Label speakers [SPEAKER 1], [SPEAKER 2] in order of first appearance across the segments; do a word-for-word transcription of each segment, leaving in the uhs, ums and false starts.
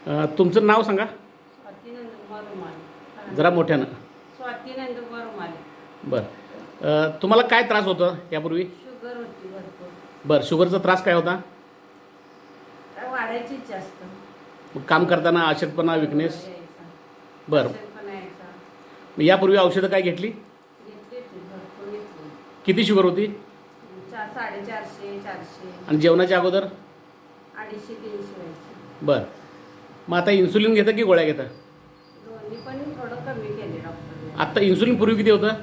[SPEAKER 1] अ, तुमचं नाव सांगा
[SPEAKER 2] स्वाती नंदकुमार रुमाले.
[SPEAKER 1] जरा मोठ्यानं.
[SPEAKER 2] स्वाती नंदकुमार रुमाले.
[SPEAKER 1] बरं. अ, तुम्हाला काय त्रास होता यापूर्वी?
[SPEAKER 2] शुगर होती भरपूर.
[SPEAKER 1] बरं. शुगरचा त्रास काय होता?
[SPEAKER 2] काय वाढायचीच जास्त.
[SPEAKER 1] मग काम करताना अशक्तपणा, विकनेस?
[SPEAKER 2] यायचा.
[SPEAKER 1] बरं.
[SPEAKER 2] अशक्तपणा यायचा.
[SPEAKER 1] मग यापूर्वी औषधं काय घेतली?
[SPEAKER 2] घेतली होती, भरपूर घेतली.
[SPEAKER 1] किती शुगर होती?
[SPEAKER 2] चार साडेचारशे चारशे
[SPEAKER 1] आणि जेवणाच्या अगोदर?
[SPEAKER 2] अडीचशे तीनशे व्हायचे.
[SPEAKER 1] बरं. मग आता इन्सुलिन घेता की गोळ्या घेता?
[SPEAKER 2] दोन्ही पण थोडं कमी केले डॉक्टरने.
[SPEAKER 1] आत्ता इन्सुलिन पूर्वी किती होतं?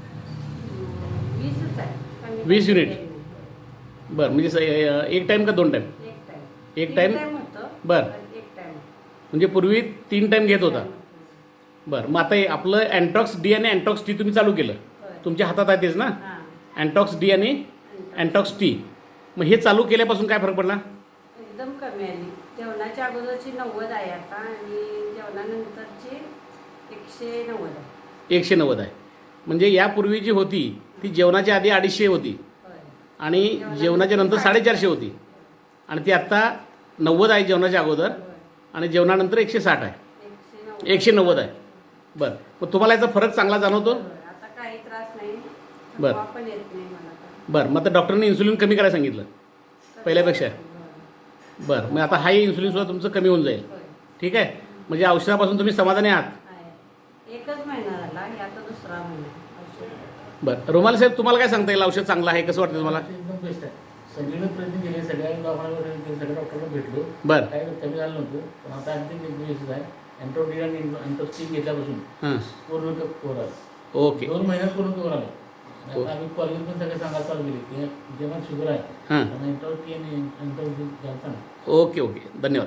[SPEAKER 2] वीसच आहे. कमी
[SPEAKER 1] वीस
[SPEAKER 2] केलं
[SPEAKER 1] युनिट.
[SPEAKER 2] नाही.
[SPEAKER 1] बरं. म्हणजे स- अ, एक टाईम का दोन टाईम?
[SPEAKER 2] एक टाइम.
[SPEAKER 1] एक
[SPEAKER 2] तीन
[SPEAKER 1] टाइम?
[SPEAKER 2] टाइम होतं.
[SPEAKER 1] बरं.
[SPEAKER 2] पण एक टाइम.
[SPEAKER 1] म्हणजे पूर्वी तीन टाईम घेत होता.
[SPEAKER 2] टाइम होतं.
[SPEAKER 1] बरं. मग आता हे आपलं अँटॉक्स डी आणि अँटॉक्स टी तुम्ही चालू केलं.
[SPEAKER 2] होय.
[SPEAKER 1] तुमच्या हातात आहे तेच ना?
[SPEAKER 2] हां.
[SPEAKER 1] अँटॉक्स डी आणि अँटॉक्स टी. मग हे चालू केल्यापासून काय फरक पडला?
[SPEAKER 2] एकदम कमी आली. जेवणाच्या अगोदरची नव्वद आहे आता आणि जेवणानंतरची एकशे नव्वद आहे.
[SPEAKER 1] एकशे नव्वद आहे. म्हणजे यापूर्वी जी होती ती जेवणाच्या आधी अडीचशे होती
[SPEAKER 2] होय.
[SPEAKER 1] आणि जेवणाच्या नंतर साडेचारशे होती आणि ती आत्ता नव्वद आहे जेवणाच्या अगोदर
[SPEAKER 2] होय.
[SPEAKER 1] आणि जेवणानंतर एकशे साठ आहे.
[SPEAKER 2] एकशे नव्वद.
[SPEAKER 1] एकशे नव्वद आहे. बरं. मग तुम्हाला याचा फरक चांगला जाणवतो?
[SPEAKER 2] होय. आता काही त्रास नाही.
[SPEAKER 1] बरं.
[SPEAKER 2] थकवा पण येत नाही मला आता.
[SPEAKER 1] बरं. मग आता डॉक्टरने इन्सुलिन कमी करायला सांगितलं पहिल्यापेक्षा?
[SPEAKER 2] होय.
[SPEAKER 1] बरं. मग आता हाही इन्सुलिनसुद्धा तुमचं कमी होऊन जाईल.
[SPEAKER 2] होय.
[SPEAKER 1] ठीक आहे. म्हणजे औषधापासून तुम्ही समाधानी आहात?
[SPEAKER 2] आहे. एकच महिना झाला. हे आता दुसरा महिना औषध.
[SPEAKER 1] बरं. रुमाल साहेब, तुम्हाला काय सांगता येईल? औषध चांगलं आहे, कसं वाटतं तुम्हाला?
[SPEAKER 3] एकदम बेस्ट आहे. सगळीकडे प्रयत्न केले, सगळ्या दवाखान्यावर सगळ्या डॉक्टरला भेटलो.
[SPEAKER 1] बरं.
[SPEAKER 3] काही कमी झालं नव्हतं, पण आता अगदी व्यवस्थित आहे. अँटोडी आणि अँटोस्टिक घेतल्यापासून
[SPEAKER 1] हां.
[SPEAKER 3] पूर्ण कवर आलं.
[SPEAKER 1] ओके.
[SPEAKER 3] दोन महिन्यात पूर्ण कवर आलं. आणि
[SPEAKER 1] हो.
[SPEAKER 3] आता आम्ही कॉलेज पण सगळे सांगायला चालू केली की जेव्हा शुगर आहे
[SPEAKER 1] हां.
[SPEAKER 3] आणि अँटोस्टिक आणि अँटोस्टिक घ्यायचं.
[SPEAKER 1] Okay okay. धन्यवाद.